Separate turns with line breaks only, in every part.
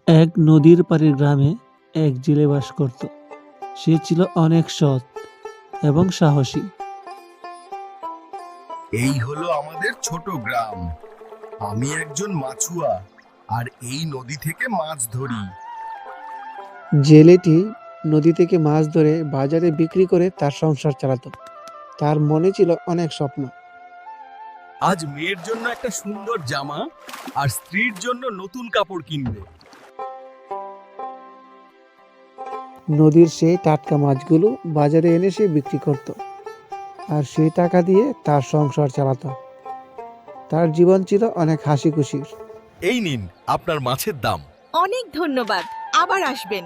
এক নদীর পাড়ের গ্রামে এক জেলে বাস করত। সে ছিল অনেক সৎ এবং সাহসী।
এই হলো আমাদের ছোট গ্রাম। আমি একজন মাছুয়া আর এই নদী থেকে মাছ ধরি।
জেলেটি নদী থেকে মাছ ধরে বাজারে বিক্রি করে তার সংসার চালাতো। তার মনে ছিল অনেক স্বপ্ন।
আজ মেয়ের জন্য একটা সুন্দর জামা আর স্ত্রীর জন্য নতুন কাপড় কিনবে।
নদীর সেই টাটকা মাছগুলো বাজারে এনে সে বিক্রি করত, আর সেই টাকা দিয়ে তার সংসার চালাতো। তার জীবন ছিল অনেক হাসি খুশির।
এই নিন আপনার মাছের দাম।
অনেক ধন্যবাদ, আবার আসবেন।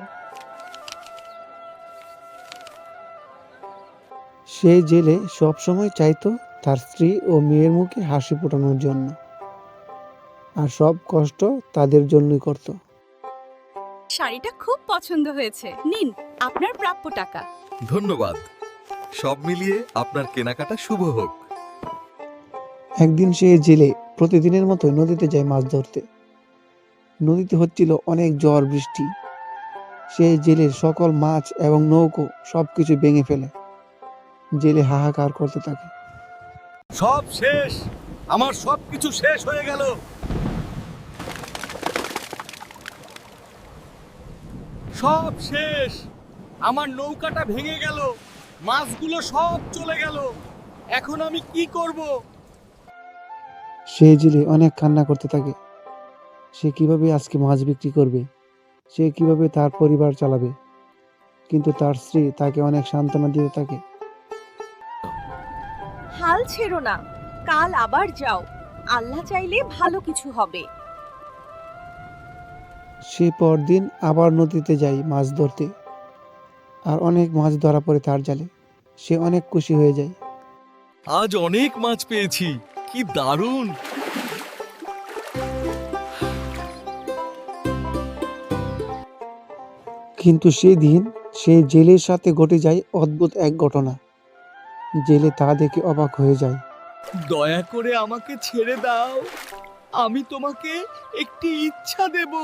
সেই জেলে সবসময় চাইতো তার স্ত্রী ও মেয়ের মুখে হাসি ফোটানোর জন্য, আর সব কষ্ট তাদের জন্যই করত।
শাড়িটা খুব পছন্দ হয়েছে, নিন আপনার প্রাপ্য টাকা।
ধন্যবাদ। সব মিলিয়ে আপনার কেনাকাটা শুভ হোক।
একদিন সে জেলে প্রতিদিনের মতো নদীতে যায় মাছ ধরতে। নদীতে হচ্ছিল অনেক ঝড় বৃষ্টি। সে জেলের সকল মাছ এবং নৌকো সবকিছু ভেঙে ফেলে। জেলে হাহাকার করতে থাকে।
সব শেষ, আমার সবকিছু শেষ হয়ে গেল। সব শেষ, আমার নৌকাটা ভেঙে গেল, মাছগুলো সব চলে গেল। এখন আমি কি করব?
সে জেলে অনেক কান্না করতে থাকে। সে কিভাবে আজকে মাছ বিক্রি করবে, সে কিভাবে তার পরিবার চালাবে। কিন্তু তার স্ত্রী তাকে অনেক সান্ত্বনা দিতে থাকে।
হাল ছেড়ো না, কাল আবার যাও, আল্লাহ চাইলে ভালো কিছু হবে।
সে পরদিন আবার নদীতে যায় মাছ ধরতে, আর অনেক মাছ ধরা পড়ে তার জালে। সে অনেক খুশি হয়ে যায়।
আজ অনেক মাছ পেয়েছি, কি দারুণ!
কিন্তু সেদিন সে জেলের সাথে ঘটে যায় অদ্ভুত এক ঘটনা। জেলে তা দেখে অবাক হয়ে যায়।
দয়া করে আমাকে ছেড়ে দাও, আমি তোমাকে একটি ইচ্ছা দেব।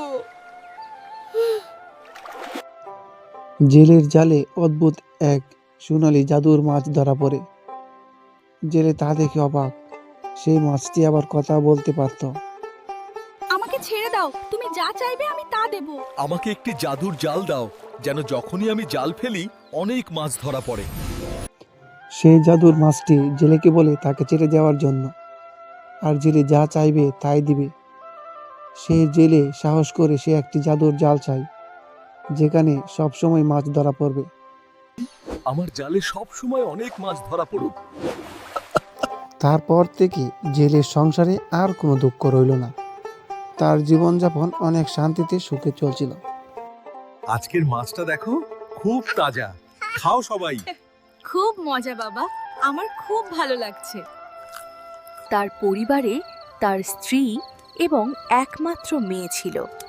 জেলের জালে অদ্ভুত এক সোনালী জাদুর মাছ ধরা পড়ে। জেলে তা দেখে অবাক। সেই মাছটি আবার কথা বলতে পারত।
আমাকে ছেড়ে দাও, তুমি যা চাইবে আমি তা দেব।
আমাকে একটি জাদুর জাল দাও, যেন যখনই আমি জাল ফেলি অনেক মাছ ধরা পড়ে।
সেই জাদুর মাছটি জেলেকে বলে তাকে ছেড়ে যাওয়ার জন্য, আর জেলে যা চাইবে তাই দিবে। সেই জেলে সাহস করে সে একটি জাদুর জাল চায়, যেখানে সবসময় মাছ ধরা পড়বে।
আমার জালে সব সময় অনেক মাছ ধরা পড়ুক।
তারপর থেকে জেলের সংসারে আর কোনো দুঃখ রইল না। তার জীবনযাপন অনেক শান্তিতে সুখে চলছিল।
আজকের মাছটা দেখো, খুব তাজা। খাও সবাই।
খুব মজা বাবা, আমার খুব ভালো লাগছে। তার পরিবারে তার স্ত্রী এবং একমাত্র মেয়ে ছিল।